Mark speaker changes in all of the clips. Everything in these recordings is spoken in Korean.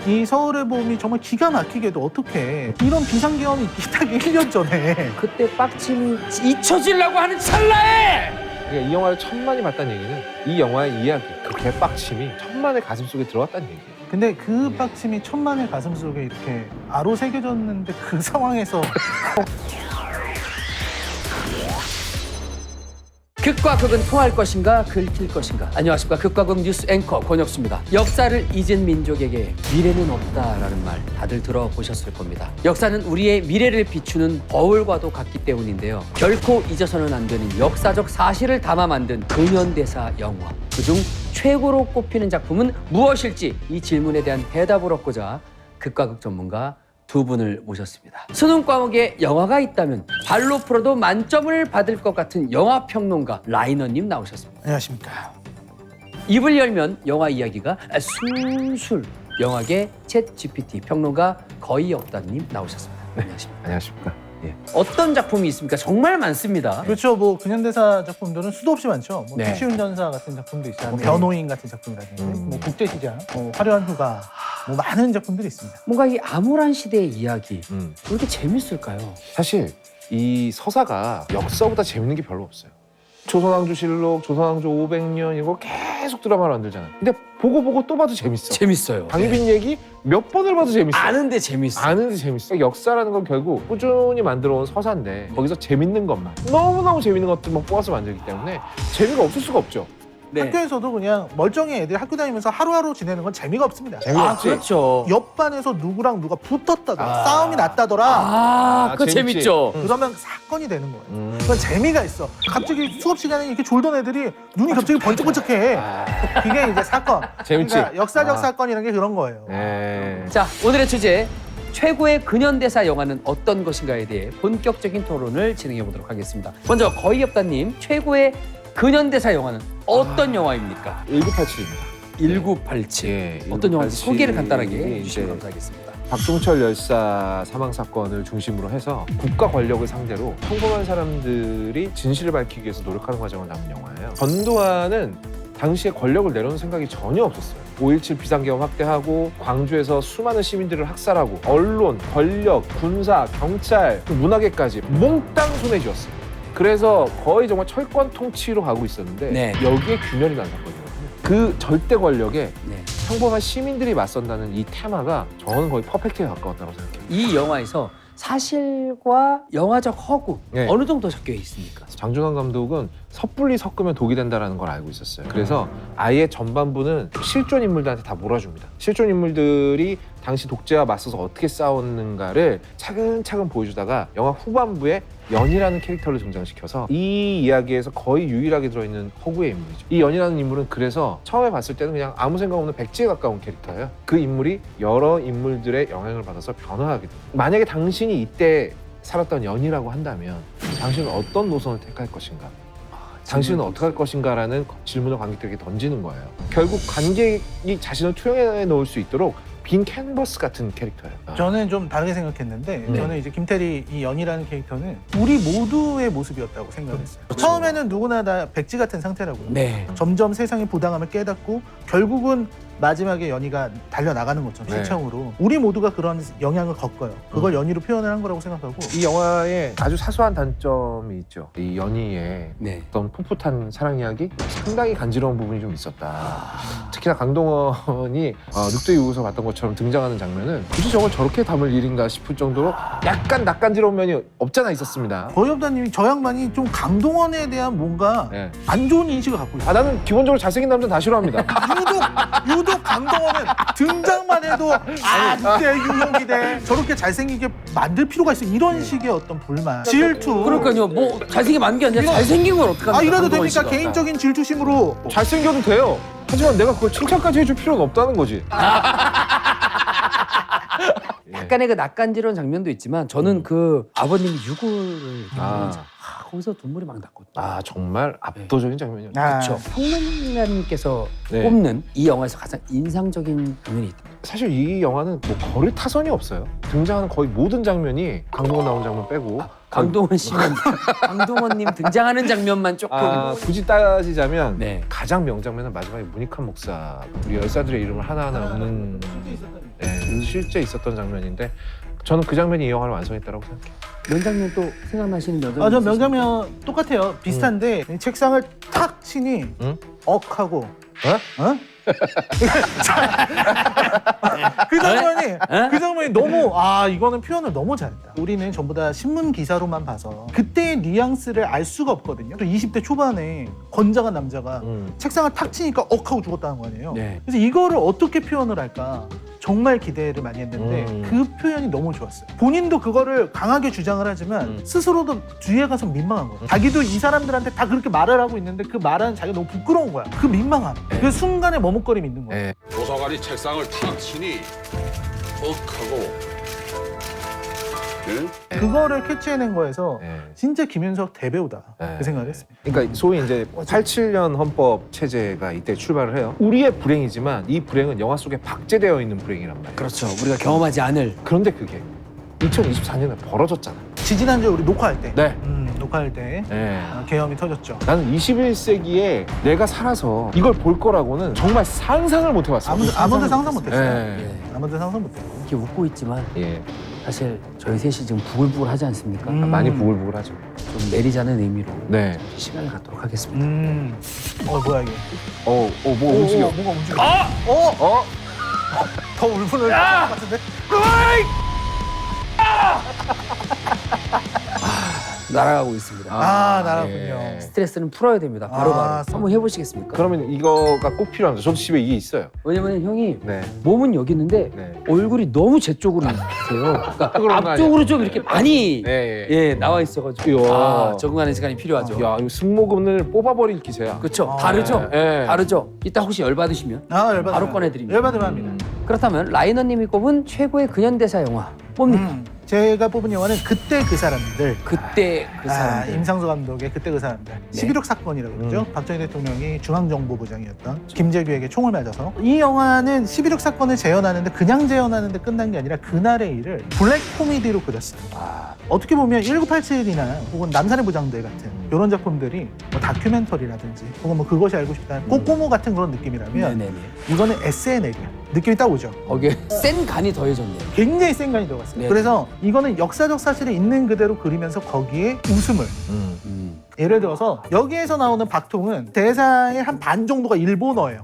Speaker 1: 이 서울의 봄이 정말 기가 막히게도 어떻게 이런 비상계엄이 있기 딱 1년 전에
Speaker 2: 그때 빡침이 잊혀지려고 하는 찰나에
Speaker 3: 그러니까 이 영화를 천만이 봤다는 얘기는 이 영화의 이야기, 그 개빡침이 천만의 가슴 속에 들어갔다는 얘기예요.
Speaker 1: 근데 그 빡침이 천만의 가슴 속에 이렇게 아로 새겨졌는데 그 상황에서
Speaker 2: 극과 극은 통할 것인가 긁힐 것인가. 안녕하십니까. 극과 극 뉴스 앵커 권혁수입니다. 역사를 잊은 민족에게 미래는 없다라는 말 다들 들어보셨을 겁니다. 역사는 우리의 미래를 비추는 거울과도 같기 때문인데요. 결코 잊어서는 안 되는 역사적 사실을 담아 만든 근현대사 영화. 그중 최고로 꼽히는 작품은 무엇일지 이 질문에 대한 대답을 얻고자 극과 극 전문가 두 분을 모셨습니다. 수능 과목에 영화가 있다면 발로 풀어도 만점을 받을 것 같은 영화평론가 라이너님 나오셨습니다.
Speaker 1: 안녕하십니까.
Speaker 2: 입을 열면 영화 이야기가 술술. 영화계 챗 GPT 평론가 거의 없다님 나오셨습니다. 안녕하십니까.
Speaker 3: 안녕하십니까. 예.
Speaker 2: 어떤 작품이 있습니까? 정말 많습니다.
Speaker 1: 그렇죠. 뭐 근현대사 작품들은 수도 없이 많죠. 뭐
Speaker 2: 네.
Speaker 1: 택시운전사 같은 작품도 있어요. 뭐
Speaker 2: 네.
Speaker 1: 변호인 같은 작품이라든지 뭐 국제시장, 뭐 화려한 휴가, 뭐 많은 작품들이 있습니다.
Speaker 2: 뭔가 이 암울한 시대의 이야기 왜
Speaker 3: 음.
Speaker 2: 이렇게 재밌을까요?
Speaker 3: 사실 이 서사가 역사보다 재밌는 게 별로 없어요. 조선왕조실록, 조선왕조 500년 이거 계속 드라마를 만들잖아요. 근데 보고 또 봐도 재밌어.
Speaker 2: 재밌어요.
Speaker 3: 강희빈 얘기 몇 번을 봐도 재밌어.
Speaker 2: 아는데 재밌어.
Speaker 3: 아는데 재밌어. 역사라는 건 결국 꾸준히 만들어온 서사인데 거기서 재밌는 것만 너무너무 재밌는 것들만 뽑아서 만들기 때문에 재미가 없을 수가 없죠.
Speaker 2: 네.
Speaker 1: 학교에서도 그냥 멀쩡히 애들이 학교 다니면서 하루하루 지내는 건 재미가 없습니다.
Speaker 3: 재미가
Speaker 2: 아,
Speaker 3: 없지.
Speaker 2: 그렇죠.
Speaker 1: 옆 반에서 누구랑 누가 붙었다더라, 싸움이 났다더라.
Speaker 2: 아, 그거
Speaker 3: 재밌지.
Speaker 2: 재밌죠.
Speaker 1: 그러면 사건이 되는 거예요. 그건 재미가 있어. 갑자기 수업 시간에 이렇게 졸던 애들이 눈이 갑자기 번쩍번쩍해. 그게 이제 사건.
Speaker 3: 재밌지.
Speaker 1: 그러니까 역사적
Speaker 3: 아.
Speaker 1: 사건이라는 게 그런 거예요.
Speaker 3: 네.
Speaker 2: 자, 오늘의 주제 최고의 근현대사 영화는 어떤 것인가에 대해 본격적인 토론을 진행해 보도록 하겠습니다. 먼저 거의 없다님, 최고의 근현대사 영화는 어떤 영화입니까?
Speaker 3: 1987입니다.
Speaker 2: 1987.
Speaker 3: 예,
Speaker 2: 어떤 영화인지
Speaker 3: 1987이
Speaker 2: 소개를 간단하게
Speaker 3: 이제
Speaker 2: 해주시면 감사하겠습니다.
Speaker 3: 박종철 열사 사망 사건을 중심으로 해서 국가 권력을 상대로 평범한 사람들이 진실을 밝히기 위해서 노력하는 과정을 담은 영화예요. 전두환은 당시에 권력을 내려놓는 생각이 전혀 없었어요. 5.17 비상계엄 확대하고 광주에서 수많은 시민들을 학살하고 언론, 권력, 군사, 경찰, 그 문화계까지 몽땅 손에 쥐었어요. 그래서 거의 정말 철권 통치로 가고 있었는데
Speaker 2: 네.
Speaker 3: 여기에 균열이 난 사건이거든요. 그 절대 권력에
Speaker 2: 네.
Speaker 3: 평범한 시민들이 맞선다는 이 테마가 저는 거의 퍼펙트에 가까웠다고 생각해요.
Speaker 2: 이 영화에서 사실과 영화적 허구
Speaker 3: 네.
Speaker 2: 어느 정도 섞여 있습니까?
Speaker 3: 장준환 감독은 섣불리 섞으면 독이 된다는 걸 알고 있었어요. 그래서 아예 전반부는 실존 인물들한테 다 몰아줍니다. 실존 인물들이 당시 독재와 맞서서 어떻게 싸웠는가를 차근차근 보여주다가 영화 후반부에 연이라는 캐릭터를 등장시켜서 이 이야기에서 거의 유일하게 들어있는 허구의 인물이죠. 이 연이라는 인물은 그래서 처음에 봤을 때는 그냥 아무 생각 없는 백지에 가까운 캐릭터예요. 그 인물이 여러 인물들의 영향을 받아서 변화하게 됩니다. 만약에 당신이 이때 살았던 연이라고 한다면 당신은 어떤 노선을 택할 것인가? 당신은 어떻게 할 것인가라는 질문을 관객들에게 던지는 거예요. 결국 관객이 자신을 투영해 놓을 수 있도록 빈 캔버스 같은 캐릭터예요.
Speaker 1: 저는 좀 다르게 생각했는데
Speaker 2: 네.
Speaker 1: 저는 이제 김태리 이 연이라는 캐릭터는 우리 모두의 모습이었다고 생각했어요. 처음에는 누구나 다 백지 같은 상태라고요.
Speaker 2: 네.
Speaker 1: 점점 세상의 부당함을 깨닫고 결국은 마지막에 연희가 달려나가는 것처럼
Speaker 3: 네.
Speaker 1: 실청으로 우리 모두가 그런 영향을 겪어요. 그걸 연희로 표현을 한 거라고 생각하고
Speaker 3: 이 영화에 아주 사소한 단점이 있죠. 이 연희의
Speaker 2: 네.
Speaker 3: 어떤 풋풋한 사랑 이야기 상당히 간지러운 부분이 좀 있었다. 특히나 강동원이 늑대 유구에서 봤던 것처럼 등장하는 장면은 굳이 저걸 저렇게 담을 일인가 싶을 정도로 약간 낯간지러운 면이 없잖아 있었습니다.
Speaker 1: 거의없다님이 저 양반이 좀 강동원에 대한 뭔가
Speaker 3: 네.
Speaker 1: 안 좋은 인식을 갖고 있어요.
Speaker 3: 나는 기본적으로 잘생긴 남자는 다 싫어합니다.
Speaker 1: 유독 강동원은 등장만 해도 늑대 유혹이대 저렇게 잘생기게 만들 필요가 있어 이런 식의 어떤 불만 질투
Speaker 2: 그러니까요. 뭐 잘생긴 만게 아니라 잘생긴 걸 어떡합니까?
Speaker 1: 이래도
Speaker 2: 강동원
Speaker 1: 됩니까?
Speaker 2: 씨가.
Speaker 1: 개인적인 질투심으로
Speaker 3: 잘생겨도 돼요. 하지만 내가 그걸 칭찬까지 해줄 필요는 없다는 거지.
Speaker 2: 약간의 그 낯간지러운 장면도 있지만 저는 그 아버님이 유골을
Speaker 3: 아.
Speaker 2: 거기서 눈물이 막 났거든요.
Speaker 3: 아 정말 압도적인 장면이었죠.
Speaker 2: 그렇죠. 평론가님께서
Speaker 3: 네.
Speaker 2: 꼽는 이 영화에서 가장 인상적인 장면이 있다.
Speaker 3: 사실 이 영화는 뭐 거를 타선이 없어요. 등장하는 거의 모든 장면이 강동원 나온 장면 빼고
Speaker 2: 강동원 씨는 강동원님 등장하는 장면만 조금
Speaker 3: 굳이 따지자면
Speaker 2: 네.
Speaker 3: 가장 명장면은 마지막에 문익환 목사 우리 열사들의 이름을 하나하나 읊는 실제 있었던 장면인데 저는 그 장면이 이 영화를 완성했다고 생각해요.
Speaker 2: 명장면 또 생각나시는 명장면?
Speaker 1: 저
Speaker 2: 있으신가요?
Speaker 1: 명장면 똑같아요. 비슷한데 책상을 탁 치니
Speaker 3: 응?
Speaker 1: 억하고
Speaker 3: 어?
Speaker 1: 그 장면이 너무 이거는 표현을 너무 잘했다. 우리는 전부 다 신문 기사로만 봐서 그때의 뉘앙스를 알 수가 없거든요. 또 20대 초반에 건장한 남자가 책상을 탁 치니까 억하고 죽었다는 거 아니에요.
Speaker 2: 네.
Speaker 1: 그래서 이거를 어떻게 표현을 할까 정말 기대를 많이 했는데 그 표현이 너무 좋았어요. 본인도 그거를 강하게 주장을 하지만 스스로도 뒤에 가서 민망한 거예요. 자기도 이 사람들한테 다 그렇게 말을 하고 있는데 그 말하는 자기가 너무 부끄러운 거야. 그 민망함. 그 순간에 머뭇거림이 있는 거예요.
Speaker 3: 네.
Speaker 4: 도서관이 책상을 탁 치니 억하고 응?
Speaker 1: 그거를 캐치해낸 거에서
Speaker 3: 네.
Speaker 1: 진짜 김윤석 대배우다
Speaker 3: 네.
Speaker 1: 그 생각을 했습니다.
Speaker 3: 그러니까 소위 이제 87년 헌법 체제가 이때 출발을 해요. 우리의 불행이지만 이 불행은 영화 속에 박제되어 있는 불행이란 말이에요.
Speaker 2: 그렇죠. 우리가 경험하지 않을.
Speaker 3: 그런데 그게 2024년에 벌어졌잖아.
Speaker 1: 지지난주에 우리 녹화할 때
Speaker 3: 네.
Speaker 1: 녹화할 때
Speaker 3: 네.
Speaker 1: 계엄이 터졌죠.
Speaker 3: 나는 21세기에 내가 살아서 이걸 볼 거라고는 정말 상상을 못 해봤어.
Speaker 1: 아무도 상상 못했어요.
Speaker 3: 네.
Speaker 2: 예.
Speaker 1: 아무도 상상 못했고.
Speaker 2: 이렇게 웃고 있지만
Speaker 3: 예.
Speaker 2: 사실 저희 셋이 지금 부글부글 하지 않습니까?
Speaker 3: 많이 부글부글하죠.
Speaker 2: 좀 내리자는 의미로
Speaker 3: 네.
Speaker 2: 시간을 갖도록 하겠습니다.
Speaker 1: 뭐야 이게?
Speaker 3: 뭐 움직여.
Speaker 1: 뭐가 움직여?
Speaker 3: 어?
Speaker 1: 더 울분을 것 같은데?
Speaker 2: 날아가고 있습니다.
Speaker 1: 나라군요.
Speaker 3: 예.
Speaker 2: 스트레스는 풀어야 됩니다. 바로바로. 한번 해보시겠습니까?
Speaker 3: 그러면 이거가 꼭 필요합니다. 저도 집에 이게 있어요.
Speaker 2: 왜냐면 형이
Speaker 3: 네.
Speaker 2: 몸은 여기 있는데
Speaker 3: 네.
Speaker 2: 얼굴이 너무 제 쪽으로 있어요. 그러니까
Speaker 3: 그런 거
Speaker 2: 앞쪽으로 좀 이렇게 많이
Speaker 3: 네.
Speaker 2: 예, 나와 있어가지고
Speaker 3: 이야.
Speaker 2: 적응하는 시간이 필요하죠.
Speaker 3: 야, 이거 승모근을 뽑아버릴 기세야.
Speaker 2: 그렇죠. 다르죠.
Speaker 3: 네.
Speaker 2: 다르죠. 이따 혹시 열 받으시면
Speaker 1: 열받으면
Speaker 2: 바로 꺼내드립니다.
Speaker 1: 열받으면 합니다.
Speaker 2: 그렇다면 라이너님이 꼽은 최고의 근현대사 영화 뭡니까?
Speaker 1: 제가 뽑은 영화는 그때 그 사람들.
Speaker 2: 그때 그 사람들.
Speaker 1: 임상수 감독의 그때 그 사람들. 11.6 사건이라고 그러죠. 박정희 대통령이 중앙정보부장이었던 김재규에게 총을 맞아서. 이 영화는 11.6 사건을 재현하는데 그냥 재현하는데 끝난 게 아니라 그날의 일을 블랙 코미디로 그렸어요. 어떻게 보면 1987이나 혹은 남산의 부장들 같은 이런 작품들이 뭐 다큐멘터리라든지 혹은 뭐 그것이 알고 싶다는 꼬꼬모 같은 그런 느낌이라면
Speaker 2: 네네네.
Speaker 1: 이거는 SNL이야. 느낌이 딱 오죠.
Speaker 2: 거기에 센 간이 더해졌네요.
Speaker 1: 굉장히 센 간이 들어갔어요.
Speaker 2: 네.
Speaker 1: 그래서 이거는 역사적 사실을 있는 그대로 그리면서 거기에 웃음을 예를 들어서 여기에서 나오는 박통은 대사의 한 반 정도가 일본어예요.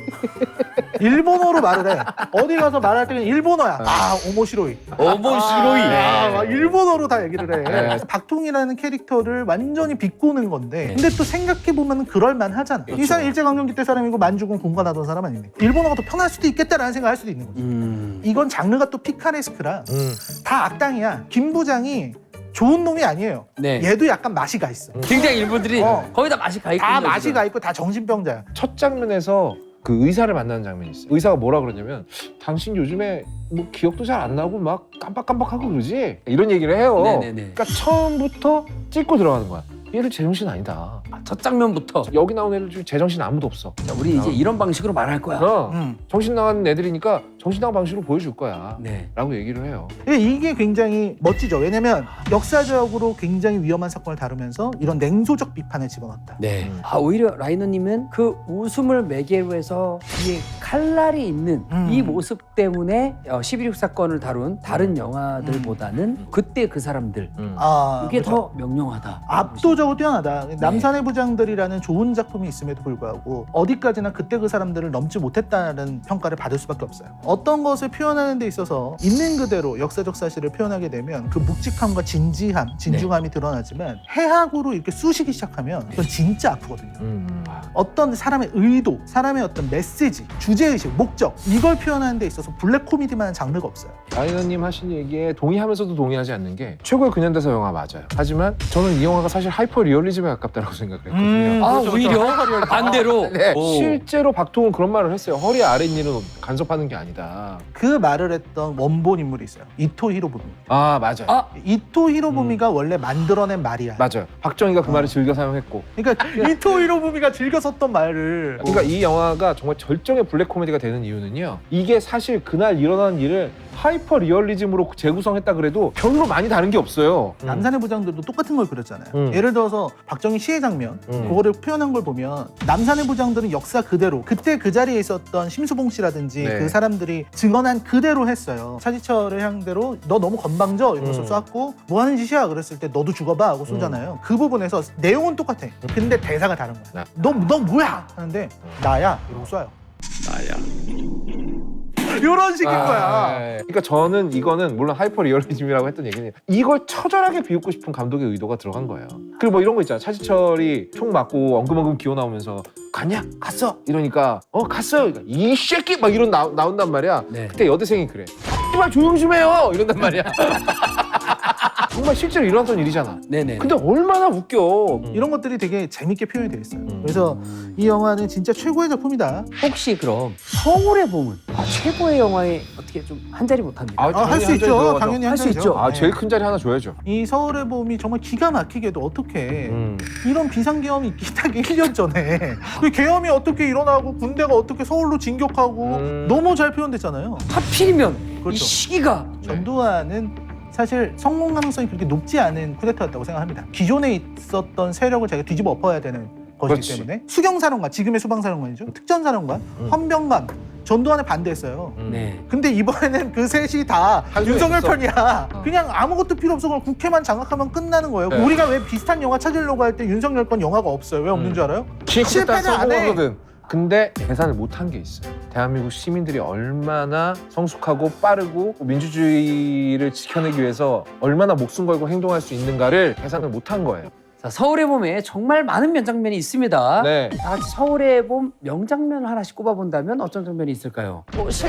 Speaker 1: 일본어로 말을 해. 어디 가서 말할 때는 일본어야. 오모시로이. 막 일본어로 다 얘기를 해.
Speaker 3: 네.
Speaker 1: 그래서 박통이라는 캐릭터를 완전히 비꼬는 건데 근데 또 생각해보면 그럴만 하잖아. 이 사람 일제강점기 때 사람이고 만주군 공관하던 사람 아닙니까? 일본어가 더 편할 수도 있겠다라는 생각을 할 수도 있는 거죠. 이건 장르가 또 피카레스크라 다 악당이야. 김 부장이 좋은 놈이 아니에요.
Speaker 2: 네.
Speaker 1: 얘도 약간 맛이 가 있어.
Speaker 2: 굉장히 일본들이 거의 다 맛이 가 있거든요.
Speaker 1: 다 맛이
Speaker 2: 지금.
Speaker 1: 가 있고 다 정신병자야.
Speaker 3: 첫 장면에서 그 의사를 만나는 장면이 있어요. 의사가 뭐라 그러냐면 당신 요즘에 뭐 기억도 잘 안 나고 막 깜빡깜빡하고 그러지? 이런 얘기를 해요.
Speaker 2: 네네네.
Speaker 3: 그러니까 처음부터 찍고 들어가는 거야. 얘를 제정신 아니다.
Speaker 2: 첫 장면부터
Speaker 3: 여기 나온 애들 중에 제정신 아무도 없어.
Speaker 2: 자, 우리 이제 이런 방식으로 말할 거야.
Speaker 3: 정신 나간 애들이니까 정신 나간 방식으로 보여줄 거야.
Speaker 2: 네.
Speaker 3: 라고 얘기를 해요.
Speaker 1: 이게 굉장히 멋지죠. 왜냐면 역사적으로 굉장히 위험한 사건을 다루면서 이런 냉소적 비판을 집어넣었다.
Speaker 2: 네. 오히려 라이너님은 그 웃음을 매개로 해서 뒤에 칼날이 있는 이 모습 때문에 11.6 사건을 다룬 다른 영화들보다는 그때 그 사람들 이게
Speaker 1: 그렇죠.
Speaker 2: 더 명령하다.
Speaker 1: 압도적으로 뛰어나다. 남산의 부장들이라는 좋은 작품이 있음에도 불구하고 어디까지나 그때 그 사람들을 넘지 못했다는 평가를 받을 수밖에 없어요. 어떤 것을 표현하는 데 있어서 있는 그대로 역사적 사실을 표현하게 되면 그 묵직함과 진지함, 진중함이 드러나지만 해학으로 이렇게 쑤시기 시작하면 그건 진짜 아프거든요. 어떤 사람의 의도, 사람의 어떤 메시지, 주제의식, 목적 이걸 표현하는 데 있어서 블랙 코미디만한 장르가 없어요.
Speaker 3: 라이너님 하신 얘기에 동의하면서도 동의하지 않는 게 최고의 근현대사 영화 맞아요. 하지만 저는 이 영화가 사실 하이퍼 리얼리즘에 가깝다고 생각을 했거든요.
Speaker 1: 그렇죠.
Speaker 2: 오히려 반대로
Speaker 3: 네.
Speaker 2: 오.
Speaker 3: 실제로 박통은 그런 말을 했어요. 허리 아랫일은 간섭하는 게 아니다.
Speaker 1: 그 말을 했던 원본 인물이 있어요. 이토 히로부미.
Speaker 3: 맞아요.
Speaker 1: 이토 히로부미가 원래 만들어낸 말이야.
Speaker 3: 맞아요. 박정희가 그 말을 즐겨 사용했고.
Speaker 1: 그러니까 이토 히로부미가 즐겨 썼던 말을
Speaker 3: 그러니까 이 영화가 정말 절정의 블랙 코미디가 되는 이유는요. 이게 사실 그날 일어난 일을 하이퍼 리얼리즘으로 재구성했다 그래도 별로 많이 다른 게 없어요.
Speaker 1: 남산의 부장들도 똑같은 걸 그렸잖아요. 예를 들어서 박정희 시해 장면 그거를 표현한 걸 보면 남산의 부장들은 역사 그대로 그때 그 자리에 있었던 심수봉 씨라든지
Speaker 3: 네.
Speaker 1: 그 사람들이 증언한 그대로 했어요. 차지철의 향대로 너 너무 건방져 이러면서 쐈고 뭐 하는 짓이야 그랬을 때 너도 죽어봐 하고 쏘잖아요. 그 부분에서 내용은 똑같아. 근데 대사가 다른 거야. 너 뭐야 하는데 나야 이러고 쏴요.
Speaker 4: 나야.
Speaker 1: 이런 식인 거야.
Speaker 3: 그러니까 저는 이거는 물론 하이퍼 리얼리즘이라고 했던 얘기는 이걸 처절하게 비웃고 싶은 감독의 의도가 들어간 거예요. 그리고 뭐 이런 거 있잖아. 차지철이 총 맞고 엉금엉금 기어 나오면서 갔냐? 갔어. 이러니까 갔어요. 그러니까 이 새끼 막 이런 나온단 말이야.
Speaker 2: 네.
Speaker 3: 그때 여대생이 그래. 이말 조용 좀 해요. 이런단 말이야. 정말 실제로 일어났던 일이잖아.
Speaker 2: 네네.
Speaker 3: 근데 얼마나 웃겨.
Speaker 1: 이런 것들이 되게 재밌게 표현이 되어 있어요. 그래서 이 영화는 진짜 최고의 작품이다.
Speaker 2: 혹시 그럼 서울의 봄은 최고의 영화에 어떻게 좀 한 자리 못합니까?
Speaker 1: 할 수 있죠. 당연히
Speaker 2: 할 수
Speaker 1: 한자리죠.
Speaker 2: 있죠.
Speaker 1: 네.
Speaker 3: 제일 큰 자리 하나 줘야죠.
Speaker 1: 이 서울의 봄이 정말 기가 막히게도 어떻게 이런 비상계엄이 있기 딱 1년 전에 그 계엄이 어떻게 일어나고 군대가 어떻게 서울로 진격하고 너무 잘 표현됐잖아요.
Speaker 2: 하필이면 이
Speaker 1: 그렇죠.
Speaker 2: 시기가
Speaker 1: 전두환은 사실 성공 가능성이 그렇게 높지 않은 쿠데타였다고 생각합니다. 기존에 있었던 세력을 자기가 뒤집어 엎어야 되는 것이기
Speaker 3: 그렇지.
Speaker 1: 때문에 수경사령관, 지금의 수방사령관이죠. 특전사령관, 헌병감, 전두환에 반대했어요.
Speaker 2: 네.
Speaker 1: 근데 이번에는 그 셋이 다
Speaker 3: 한 손에
Speaker 1: 윤석열
Speaker 3: 있어.
Speaker 1: 편이야. 그냥 아무것도 필요 없어. 그냥 국회만 장악하면 끝나는 거예요.
Speaker 3: 네.
Speaker 1: 우리가 왜 비슷한 영화 찾으려고 할 때 윤석열 건 영화가 없어요? 왜 없는 줄 알아요? 실패는 안 해.
Speaker 3: 성공하거든. 근데 계산을 못한 게 있어요. 대한민국 시민들이 얼마나 성숙하고 빠르고 민주주의를 지켜내기 위해서 얼마나 목숨 걸고 행동할 수 있는가를 계산을 못한 거예요.
Speaker 2: 자, 서울의 봄에 정말 많은 명장면이 있습니다.
Speaker 3: 네.
Speaker 2: 다 같이 서울의 봄 명장면 하나씩 꼽아본다면 어떤 장면이 있을까요?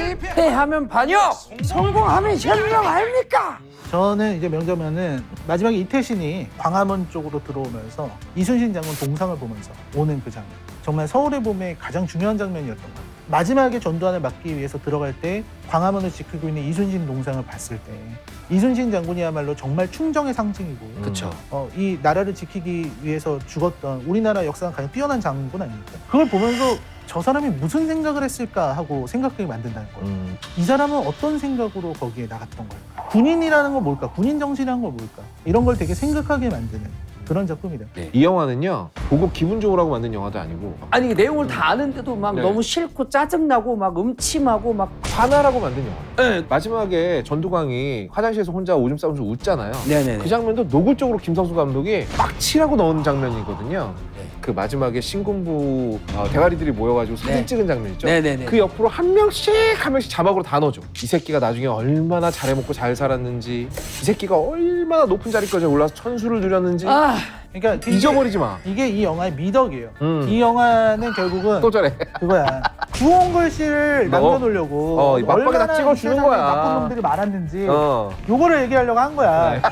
Speaker 2: 실패하면 반역, 성공하면 현명 아닙니까?
Speaker 1: 저는 이제 명장면은 마지막에 이태신이 광화문 쪽으로 들어오면서 이순신 장군 동상을 보면서 오는 그 장면. 정말 서울의 봄의 가장 중요한 장면이었던 것 같아요. 마지막에 전두환을 막기 위해서 들어갈 때 광화문을 지키고 있는 이순신 동상을 봤을 때 이순신 장군이야말로 정말 충정의 상징이고
Speaker 2: 그렇죠.
Speaker 1: 이 나라를 지키기 위해서 죽었던 우리나라 역사가 가장 뛰어난 장군 아닙니까? 그걸 보면서 저 사람이 무슨 생각을 했을까 하고 생각하게 만든다는 거예요. 이 사람은 어떤 생각으로 거기에 나갔던 걸까? 군인이라는 건 뭘까? 군인 정신이라는 건 뭘까? 이런 걸 되게 생각하게 만드는 그런 작품이다.
Speaker 3: 이 영화는요 보고 기분 좋으라고 만든 영화도 아니고
Speaker 2: 아니 내용을 다 아는데도 막
Speaker 3: 네.
Speaker 2: 너무 싫고 짜증나고 막 음침하고 막
Speaker 3: 화나라고 만든 영화.
Speaker 2: 네.
Speaker 3: 마지막에 전두광이 화장실에서 혼자 오줌 싸면서 웃잖아요.
Speaker 2: 네네네.
Speaker 3: 그 장면도 노골적으로 김성수 감독이 빡치라고 넣은 장면이거든요.
Speaker 2: 네.
Speaker 3: 그 마지막에 신군부 대가리들이 모여가지고 사진
Speaker 2: 네.
Speaker 3: 찍은 장면 있죠.
Speaker 2: 네네네.
Speaker 3: 그 옆으로 한 명씩 자막으로 다 넣어줘. 이 새끼가 나중에 얼마나 잘해먹고 잘 살았는지, 이 새끼가 얼마나 높은 자리까지 올라서 천수를 누렸는지
Speaker 1: 그러니까
Speaker 3: 잊어버리지 마.
Speaker 1: 이게 이 영화의 미덕이에요. 이 영화는 결국은
Speaker 3: 또 저래.
Speaker 1: 그거야. 구원걸 씨를 남겨놓으려고
Speaker 3: 이 맛박에다
Speaker 1: 얼마나
Speaker 3: 찍어주는
Speaker 1: 이 세상에
Speaker 3: 거야.
Speaker 1: 나쁜 놈들이 많았는지
Speaker 3: 어.
Speaker 1: 요거를 얘기하려고 한 거야.
Speaker 3: 네.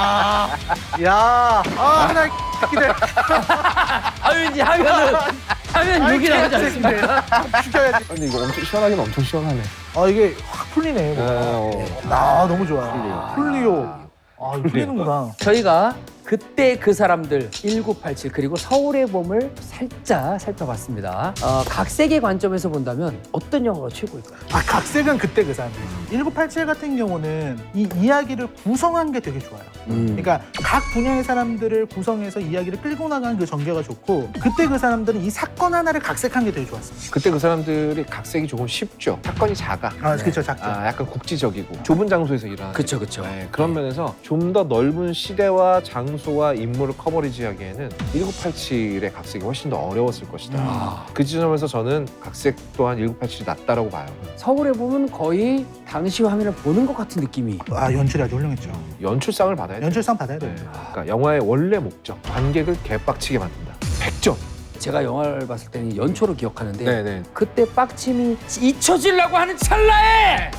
Speaker 1: 나 X들
Speaker 2: 아유 이제 하면 욕이 나오지 않습니까?
Speaker 1: 죽여야지.
Speaker 3: 근데 이거 엄청 시원하긴 엄청 시원하네.
Speaker 1: 이게 확 풀리네. 너무 좋아. 풀리요. 풀리는구나.
Speaker 2: 저희가 그때 그 사람들 1987 그리고 서울의 봄을 살짝 살펴봤습니다. 각 세계 관점에서 본다면 어떤 영화가 최고일까요?
Speaker 1: 각색은 그때 그 사람들. 1987 같은 경우는 이 이야기를 구성한 게 되게 좋아요. 그러니까 각 분야의 사람들을 구성해서 이야기를 끌고 나가는 그 전개가 좋고 그때 그 사람들은 이 사건 하나를 각색한 게 되게 좋았어요.
Speaker 3: 그때 그 사람들이 각색이 조금 쉽죠. 사건이 작아.
Speaker 1: 그렇죠. 작죠.
Speaker 3: 약간 국지적이고 좁은 장소에서 일어나는.
Speaker 2: 그쵸.
Speaker 3: 그런 면에서 좀 더 넓은 시대와 장소와 인물을 커버리지하기에는 1987의 각색이 훨씬 더 어려웠을 것이다. 그 지점에서 저는 각색 또한 1987이 낫다라고 봐요.
Speaker 2: 서울의 봄은 거의 당시 화면을 보는 것 같은 느낌이.
Speaker 1: 연출이 아주 훌륭했죠.
Speaker 3: 연출상을 받아야 돼.
Speaker 1: 연출상 받아야 돼요.
Speaker 3: 그러니까 영화의 원래 목적, 관객을 개빡치게 만든다. 100점.
Speaker 2: 제가 영화를 봤을 때는 연초로 기억하는데
Speaker 3: 네네.
Speaker 2: 그때 빡침이 잊혀지려고 하는 찰나에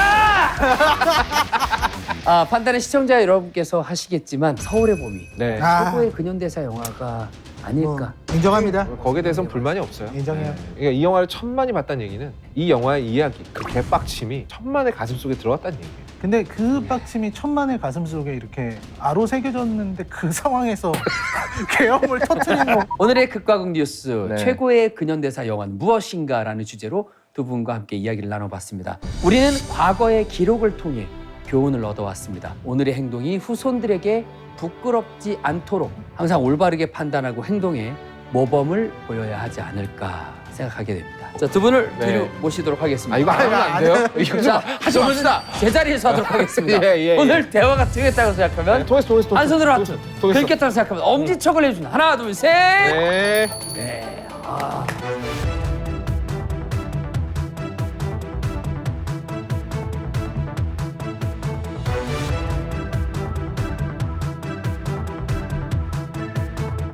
Speaker 2: 판단은 시청자 여러분께서 하시겠지만 서울의 봄이
Speaker 3: 네.
Speaker 2: 최고의 근현대사 영화가 아닐까.
Speaker 1: 인정합니다.
Speaker 3: 거기에 대해서는 불만이 없어요.
Speaker 1: 인정해요.
Speaker 3: 그러니까 이 영화를 천만이 봤다는 얘기는 이 영화의 이야기, 그 개빡침이 천만의 가슴 속에 들어왔다는 얘기예요.
Speaker 1: 근데 그 빡침이 천만의 가슴 속에 이렇게 아로 새겨졌는데 그 상황에서 계엄을 터뜨린 거.
Speaker 2: 오늘의 극과 극 뉴스
Speaker 3: 네.
Speaker 2: 최고의 근현대사 영화는 무엇인가라는 주제로 두 분과 함께 이야기를 나눠봤습니다. 우리는 과거의 기록을 통해 교훈을 얻어왔습니다. 오늘의 행동이 후손들에게 부끄럽지 않도록 항상 올바르게 판단하고 행동에 모범을 보여야 하지 않을까 생각하게 됩니다. 자, 두 분을
Speaker 3: 네.
Speaker 2: 뒤로 모시도록 하겠습니다.
Speaker 3: 아 이거 하면 안 돼요? 이거 좀
Speaker 2: 자,
Speaker 3: 하지 맙시다.
Speaker 2: 제자리에서 하도록 하겠습니다.
Speaker 3: 예.
Speaker 2: 오늘 대화가 통했다고 생각하면
Speaker 3: 통했어.
Speaker 2: 한 손으로 하트,
Speaker 3: 통했어.
Speaker 2: 긁겠다고 생각하면 엄지척을 해준다. 하나, 둘, 셋.
Speaker 3: 네.
Speaker 2: 네. 아.